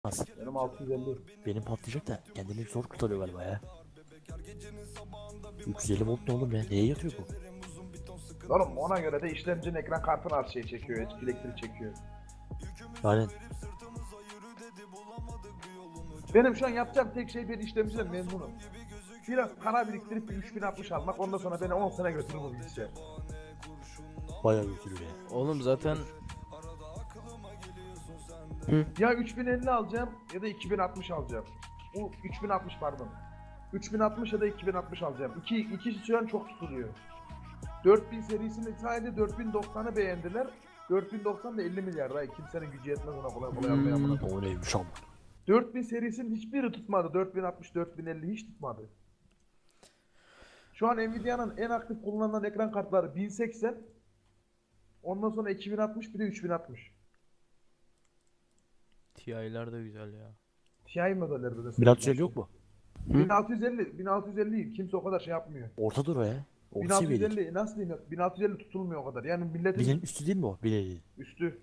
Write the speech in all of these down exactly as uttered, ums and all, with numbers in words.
Az. Benim altı yüz elli. Benim patlayacak da kendini zor kurtarıyor galiba ya. üç yüz elli volt ne oğlum ya? Neye yatıyor bu? Oğlum ona göre de işlemcinin ekran kartını az şey çekiyor, elektrik çekiyor. Yani Benim şu an yapacağım tek şey bir işlemciden memnunum. Biraz para biriktirip bir üç bin altmış almak, ondan sonra beni on sene götürür bu bilgisayar. bayağı götürüyor ya. Oğlum zaten Ya üç bin elli alacağım ya da iki bin altmış alacağım. Bu üç bin altmış pardon. üç bin altmış ya da iki bin altmış alacağım. İki, ikisi şu an çok tutuluyor. dört bin serisini sadece dört bin doksanı beğendiler. dört bin doksan da elli milyar daha kimsenin gücü yetmez ona kolay kolay almaya Hmm. amına. O neymiş ama. dört bin serisinin hiçbiri tutmadı. dört bin altmış, dört bin elli hiç tutmadı. Şu an Nvidia'nın en aktif kullanılan ekran kartları bin seksen. Ondan sonra iki bin altmış bir de üç bin altmış. T I'ler de güzel ya. Ti modelleri de. bin altı yüz elli yok mu? bin altı yüz elli, bin altı yüz elli kimse o kadar şey yapmıyor. Orta dur o ya. Orta seviyelik. bin altı yüz elli nasıl diyeyim? bin altı yüz elli tutulmuyor o kadar. Yani milletin Binin üstü değil mi o? bin elli. üstü.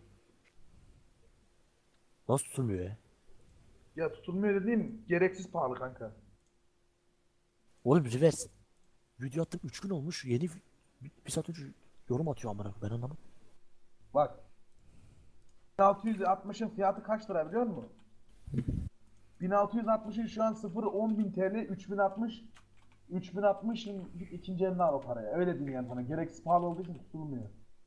Nasıl tutulmuyor ya? Ya tutulmuyor dediğim gereksiz pahalı kanka. Oğlum reverse. Video attım üç gün olmuş. Yeni bir, bir saat önce yorum atıyor amına. Ben anlamadım. Bak. bin altı yüz altmışın fiyatı kaç lira biliyor musun? bin altı yüz altmışın şu an sıfır on bin T L, üç bin altmış üç bin altmışın ikinci elini al o paraya. Öyle diyeyim yani sana. Gereksiz pahalı olduğu için tutulmuyor.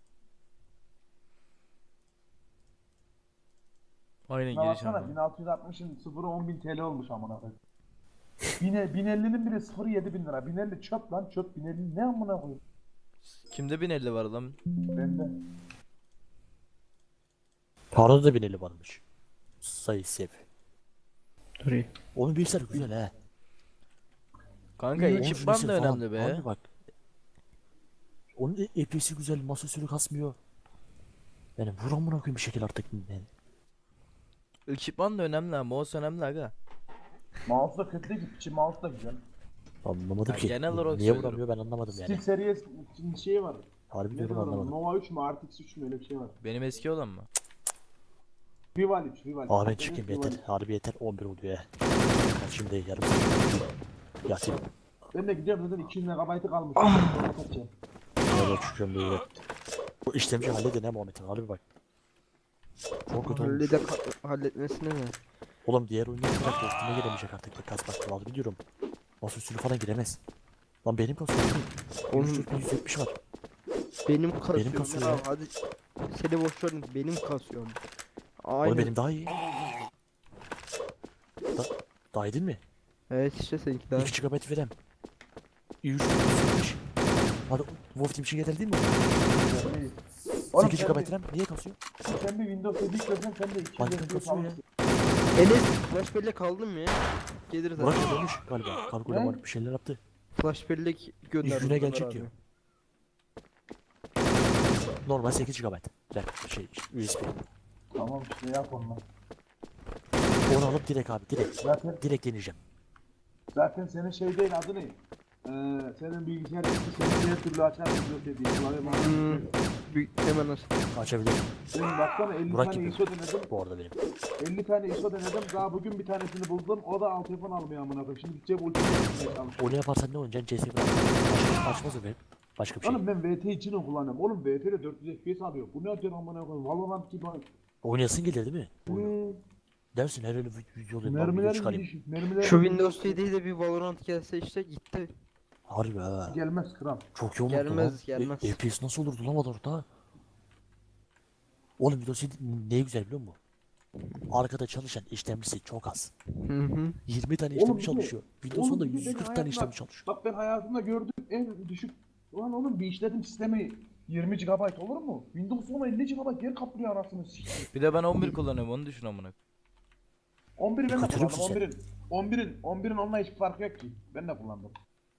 Aynen Şuna giriş baksana ama. bin altı yüz altmışın sıfırı on bin T L olmuş amına koyayım. bin ellinin bile sıfırı yedi bin lira. bin elli çöp lan çöp. bin elli ne amına koyayım? Kimde bin elli var lan? Bende. Parada da bin elli varmış. Sayı sev. Dur iyi. Onun bilgisayar güzel he. Kanka Onun ekipman süresi da falan. önemli be. Abi bak. Onun E P S'si güzel, masasını kasmıyor. Yani vur amına koyayım bir şekil artık. Yani. Ekipman da önemli ama mouse önemli aga. Mouse da kötü değil ki. Piçi mouse da güzel. Anlamadım Ya ki. genel olarak Niye söylüyorum. vuramıyor ben anlamadım Steel yani. serisi şey var. Harbi Ne diyorum diyorlar ona? anlamadım. Nova üç mü? R T X üç mü? Öyle bir şey var. Benim eski olan mı? Rival üç, Rival. Aa ben çıkayım yeter. Harbi yeter. on bir oluyor ya. Ben şimdi yarım saat. Yatayım. Ben de gidiyorum zaten iki yüz megabaytı kalmış. Ah! Kaçacağım. Öyle çıkıyorum diye. Bu işlemci halledin ha Muhammed'in. Harbi bak. Çok kötü olmuş. Hallede halletmesine ne? Oğlum diğer oyuncu bırak üstüne giremeyecek artık. Bir kas bak. Harbi diyorum. Masaüstünü falan giremez. Lan benim kasıyor. Oğlum yüz kırk yüz yetmiş var. benim kasıyor. Benim kasıyor ya. ya. Hadi seni boş verin benim kasıyor. Oğlum Aynen. benim daha iyi. Da daha iyi değil mi? Evet işte seninki daha. iki gigabayt verem. yüz yetmiş. Hadi Wolf Team için yeterli değil mi? Oğlum sekiz sen gigabayt bir, RAM niye kasıyor? sen bir Windows yedi yüklesen sen de iki yüz Harbiden F P S kasıyor ya. alırsın. Enes flash bellek aldın mı ya? Gelir Burak zaten. da dönmüş galiba. Kargoyla Ne? var bir şeyler yaptı. Flash bellek gönder. İlk güne gelecek diyor. Normal sekiz gigabayt. RAM şey U S B. Tamam işte yap onunla. Onu alıp direkt abi direkt. Zaten Direkt deneyeceğim. zaten senin şey değil adı ne? Ee, senin bilgisayar eski senin her türlü açar Windows yedi. Klavye mouse. Hmm. Büyük hemen aç. Açabilirim. Benim baksana elli Burak tane gibi. I S O denedim. Bu arada benim. elli tane I S O denedim. Daha bugün bir tanesini buldum. O da alt telefon almıyor amına koyayım. Şimdi gideceğim ultra yapmaya çalışıyorum. Onu yaparsan ne oynayacaksın? C S bırak. Başka, açmaz o benim. Başka bir şey. Oğlum ben V T için o kullanıyorum. Oğlum V T'de dört yüz F P S alıyor. Bu ne atıyor amına koyayım? Valorant gibi. Oynayasın gelir değil mi? Hmm. Dersin her öyle video olayım. Ben video Mermiler çıkarayım. gidiş. Mermiler Şu Windows yediye de bir Valorant gelse işte gitti. Harbi ha. gelmez kral. Çok iyi olurdu Gelmez, lan. gelmez. E, F P S nasıl olurdu lan orada? Oğlum Windows yedi ne güzel biliyor musun? Arkada çalışan işlemcisi çok az. Hı hı. yirmi tane Oğlum işlemci bir de- çalışıyor. Windows oğlum onda bir de yüz benim kırk tane hayatımda- işlemci çalışıyor. Bak ben hayatımda gördüğüm en düşük. Ulan oğlum bir işletim sistemi yirmi gigabayt olur mu? Windows on elli gigabayt yer kaplıyor anasını sikeyim. Bir de ben on bir kullanıyorum onu düşün amına. on biri ben de Kötülük kullandım. mü sen? on birin. on birin. on birin onunla hiçbir farkı yok ki. Ben de kullandım.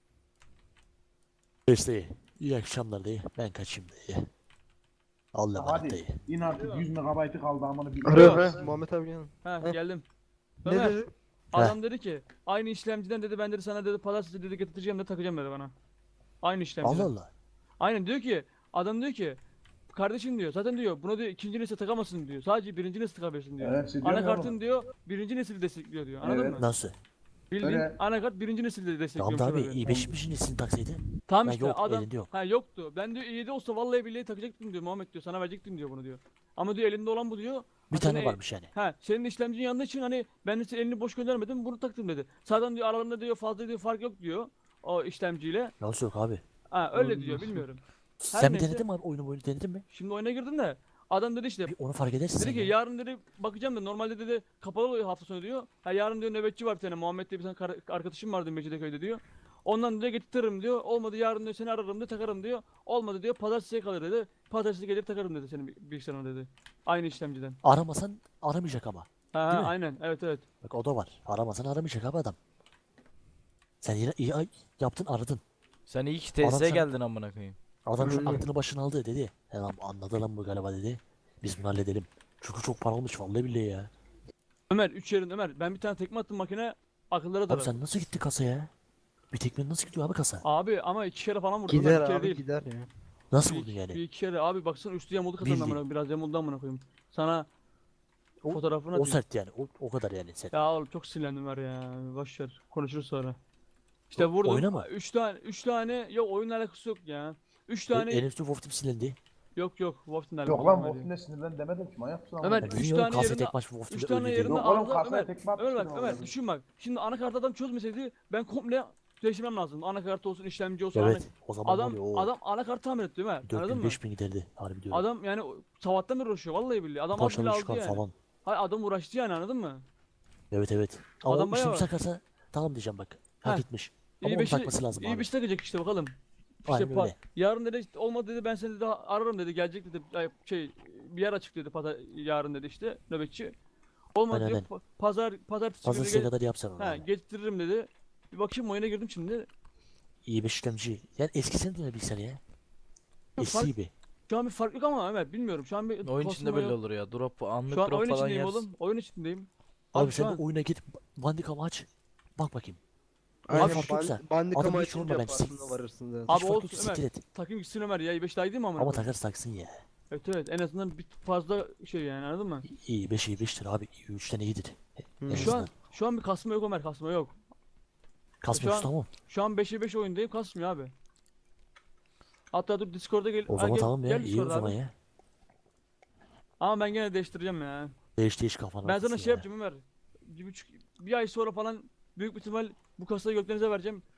İşte iyi akşamlar dayı. Ben kaçayım dayı. Allah'a emanet Hadi dayı. in artık yüz megabaytı kaldı amına bir. Ara ara Muhammed abi gel. Ha Heh. geldim. Ne Ömer, dedi? adam dedi ki aynı işlemciden dedi ben dedi sana dedi pazartesi dedi getireceğim de takacağım dedi bana. Aynı işlemciden. Allah Allah. Aynen diyor ki adam diyor ki kardeşim diyor zaten diyor buna diyor ikinci nesil takamazsın diyor. Sadece birinci nesil takabilirsin diyor. Evet, biliyorum ya Anakartın oğlum. diyor birinci nesili destekliyor diyor. Anladın Evet. mı? Nasıl? Bildiğin Öyle. anakart birinci nesilde Tamam destekliyormuş da abi abi. i beşin nesini taksaydı. Tamam Ya işte yok, adam elinde yok. ha yoktu. Ben diyor i yedi olsa vallahi billahi takacaktım diyor Muhammed diyor. Sana verecektim diyor bunu diyor. Ama diyor elinde olan bu diyor. Bir Ha, tane senin- varmış yani. Ha senin işlemcinin yandığı için hani ben de senin elini boş göndermedim bunu taktım dedi. Zaten diyor aralarında diyor fazla diyor fark yok diyor. O işlemciyle. Nasıl yok abi? Ha öyle Doğru diyor diyorsun. bilmiyorum. Sen mi neyse. denedin mi abi? Oyunu oyunu denedin mi? Şimdi oyuna girdim de adam dedi işte Bir onu fark edersin dedi sen ki ya. yarın dedi bakacağım da normalde dedi kapalı oluyor hafta sonu diyor. Ha yarın diyor nöbetçi var bir tane Muhammed diye bir tane kar- arkadaşım vardı Mecidiköy'de diyor. Ondan diyor getiririm diyor. Olmadı yarın diyor seni ararım diyor takarım diyor. Olmadı diyor pazartesiye kalır dedi. Pazartesi gelir takarım dedi senin bi- bilgisayarına dedi. Aynı işlemciden. Aramasan aramayacak ama. Ha, Değil ha mi? aynen evet evet. Bak o da var. Aramasan aramayacak abi adam. Sen yine iyi ay- yaptın aradın. Sen iyi ki Adam tesise sen- geldin amına koyayım. Adam şu Öyle. aklını başına aldı dedi. He lan anladı lan bu galiba dedi. Biz bunu halledelim. Çünkü çok para olmuş vallahi billahi ya. Ömer üç yerin Ömer ben bir tane tekme attım makine akıllara Abi dalar. sen nasıl gittin kasaya? Bir tekmenin nasıl gidiyor abi kasa? Abi ama iki kere falan vurdum. Ömer, Gider bir kere abi değil. gider ya. Nasıl Bir, vurdun yani? bir iki kere abi baksana üstü yamuldu kasanın Bildiğin. amına biraz yamuldu amına koyayım. Sana O- fotoğrafını O atayım. sert yani. O, o kadar yani sert. Ya oğlum çok sinirlendim var ya. Boş ver. Konuşuruz sonra. İşte O- vurdum. oyna mı? Üç tane üç tane yok oyunla alakası yok ya. Üç tane En üstü Wolf Team silindi. yok yok Wolf'un alakası Yok lan Ömer ya. Wolf'un ne sinirlen demedim ki manyak mısın? Ömer, amına Ya üç koyayım? bilmiyorum, tane kasaya yerinde- tek maç Wolf üç Team'de tane öyle değil. yerinde Yok oğlum arıza kasaya Ömer. tekme Ömer atmışsın bak Ömer oğlum. düşün bak. Şimdi anakart adam çözmeseydi ben komple değiştirmem lazım. Anakart olsun işlemci olsun. Evet. ana- O zaman Adam oluyor o. adam anakart tamir etti Ömer. dört Anladın bin mı? beş bin giderdi. Harbi diyorum. Adam yani o- sabahtan beri uğraşıyor vallahi billahi. Adam az bile Parçalı aldı çıkar yani. falan. Hayır adam uğraştı yani anladın mı? Evet evet. Ama Adam o bayağı işlemi var. takarsa tamam diyeceğim bak. Hak Heh. etmiş. Ama İyi onu beşi, takması lazım iyi abi. beşi takacak işte bakalım. İşte Aynen pa- öyle. yarın dedi işte olmadı dedi ben seni dedi ararım dedi gelecek dedi ay, şey bir yer açık dedi pazar yarın dedi işte nöbetçi. Olmadı Aynen, diyor pa- pazar pazartesi günü Pazartesiye gel- kadar yapsan onu. ha, yani. getiririm dedi. Bir bakayım oyuna girdim şimdi. İyi bir işlemci. Yani eskisini döne bilgisayar ya. Eski fark- gibi. Şu an bir fark yok ama Ömer bilmiyorum şu an bir Oyun içinde kasma belli yok. olur ya. Drop anlık Şu an drop oyun falan içindeyim yersin. oğlum. Oyun içindeyim. Abi, Abi şu sen an de oyuna git. Bandicam'ı aç. Bak bakayım. Aynen fark yoksa, band, bandikama adamı hiç açınca yorma, ben farkına sik- varırsın zaten. Abi Hiç fark olsun yok, Ömer. siktir et. takım gitsin Ömer ya i beş daha iyi değil mi amına Ama koyayım? takarız taksın ya. Evet evet en azından bir fazla şey yani anladın mı? İyi beş iyi beştir abi. İyi üçten iyidir. Hı. En Şu azından. an şu an bir kasma yok Ömer kasma yok. Kasmıyoruz şu an- tamam. Şu an beşe beş oyundayım kasmıyor abi. Hatta dur Discord'a gel. O Ha, zaman gel- tamam ya. gel İyi o Discord'a zaman abi. ya. Ama ben gene değiştireceğim ya. Değiş değiş kafana. Ben sana otursun şey ya. yapacağım Ömer. Bir buçuk bir ay sonra falan büyük bir ihtimal bu kasayı gökdenize vereceğim.